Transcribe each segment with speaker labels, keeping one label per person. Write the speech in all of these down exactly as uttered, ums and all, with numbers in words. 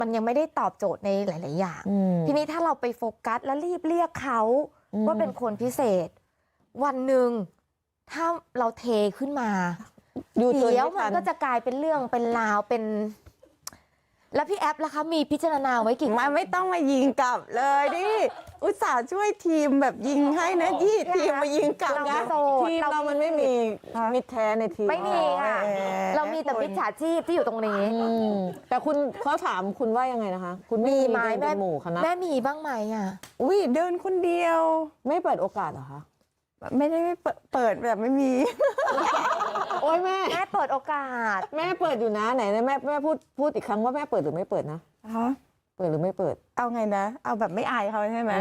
Speaker 1: มันยังไม่ได้ตอบโจทย์ในหลาย ๆ อย่างทีนี้ถ้าเราไปโฟกัสแล้วรีบเรียกเขาว่าเป็นคนพิเศษวันหนึ่งถ้าเราเทขึ้นมาเดี๋ยวมันก็จะกลายเป็นเรื่องเป็นราวเป็นแล้วพี่แอฟล่ะคะมีพิจารณาไว้กี่
Speaker 2: มาไม่ต้องมายิงกลับเลยดิอุตส่าห์ช่วยทีมแบบยิงให้นะยี่ทีมมายิงกลับนะทีมเรามันไม่มีมิตรแท้ในทีม
Speaker 1: ไม่มีค่ะเรามีแต่มิจฉาชีพที่อยู่ตรงนี้
Speaker 2: แต่คุณเขาถามคุณว่ายังไงนะคะคุณ
Speaker 1: มีไหมแม่
Speaker 2: หมู่คณะ
Speaker 1: แม่มีบ้างไหมอ่ะ
Speaker 2: อุ้ยเดินคนเดียวไม่เปิดโอกาสเหรอคะไม่ได้ไม่เปิดแบบไม่มีโอ้ยแม่
Speaker 1: แม่เปิดโอกาส
Speaker 2: แม่เปิดอยู่นะไหนแม่แม่พูดพูดอีกครั้งว่าแม่เปิดหรือไม่เปิดนะฮะเปิดหรือไม่เปิดเอาไงนะเอาแบบไม่อายเขาใช่ไหม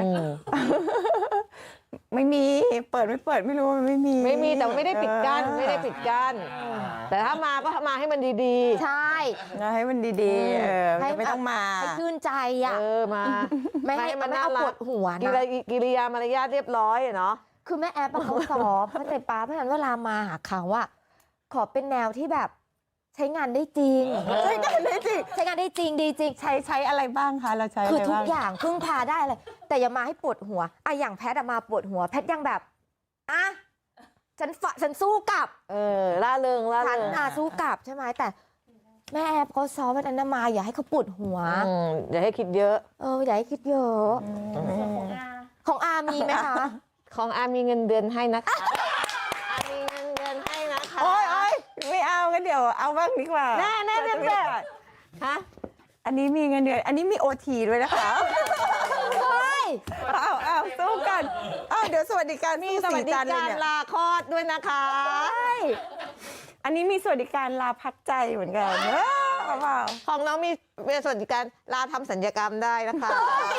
Speaker 2: ไม่มีเปิดไม่เปิดไม่รู้มันไม่มีไม่มีแต่ไม่ได้ปิดกั้นไม่ได้ปิดกั้นแต่ถ้ามาก็มาให้มันดี
Speaker 1: ๆใช่
Speaker 2: ให้มันดีๆเออไม่ต้องมา
Speaker 1: ให้ชื่นใจอ่ะ
Speaker 2: เออมา
Speaker 1: ไม่ให้มันเอาปวดหัวนะ
Speaker 2: กิริยามารยาทเรียบร้อยเนาะ
Speaker 1: คือแม่แอปเขาสอบเข้าใจป้าเพราะฉะนั้นเวลามาหาเขาว่าขอเป็นแนวที่แบบใช้งานได้จริง
Speaker 2: ใช้งานได้จริง
Speaker 1: ใช้งานได้จริงดีจริง
Speaker 2: ใช้ใช้อะไรบ้างคะเราใช้
Speaker 1: คือทุกอย่างพึ่งพาได้เลยแต่อย่ามาให้ปวดหัวอะอย่างแพทมาปวดหัวแพทยังแบบอ่ะฉันฝฉันสู้กลับ
Speaker 2: เออล่าเริงล่าเริง
Speaker 1: ฉันอ่ะสู้กลับใช่ไหมแต่แม่แอปเขาซ้อมวันนั้นมาอย่าให้เขาปวดหัว
Speaker 2: อย่าให้คิดเยอะ
Speaker 1: เอออย่าให้คิดเยอะของอามีไหมคะ
Speaker 2: ของอามีเงินเดือนให้นะคะอามีเงินเดือนให้นะคะโอ้ยโอ้ยไม่เอากันเดี๋ยวเอาบ้างดีกว่าแน่แน่แน่แน่ฮะอันนี้มีเงินเดือนอันนี้มีโอทีด้วยนะคะ
Speaker 1: เฮ้ย
Speaker 2: เอาเอาสู้กันเอาเดี๋ยวสวัสดิการมีสวัสดิการลาคลอดด้วยนะคะอันนี้มีสวัสดิการลาพักใจเหมือนกันเออเปล่าของน้องมีสวัสดิการลาทำสัญญกรรมได้นะคะ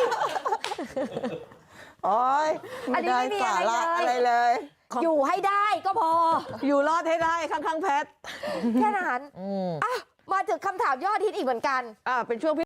Speaker 2: โอ้ย
Speaker 1: อันนี้ไม่มี
Speaker 2: อะไรเลย
Speaker 1: อยู่ให้ได้ก็พอ
Speaker 2: อยู่รอดให้ได้ข้างๆแพท
Speaker 1: แค่นั้นอ่ะมาถึงคำถามยอดฮิตอีกเหมือนกัน
Speaker 2: อ่าเป็นช่วง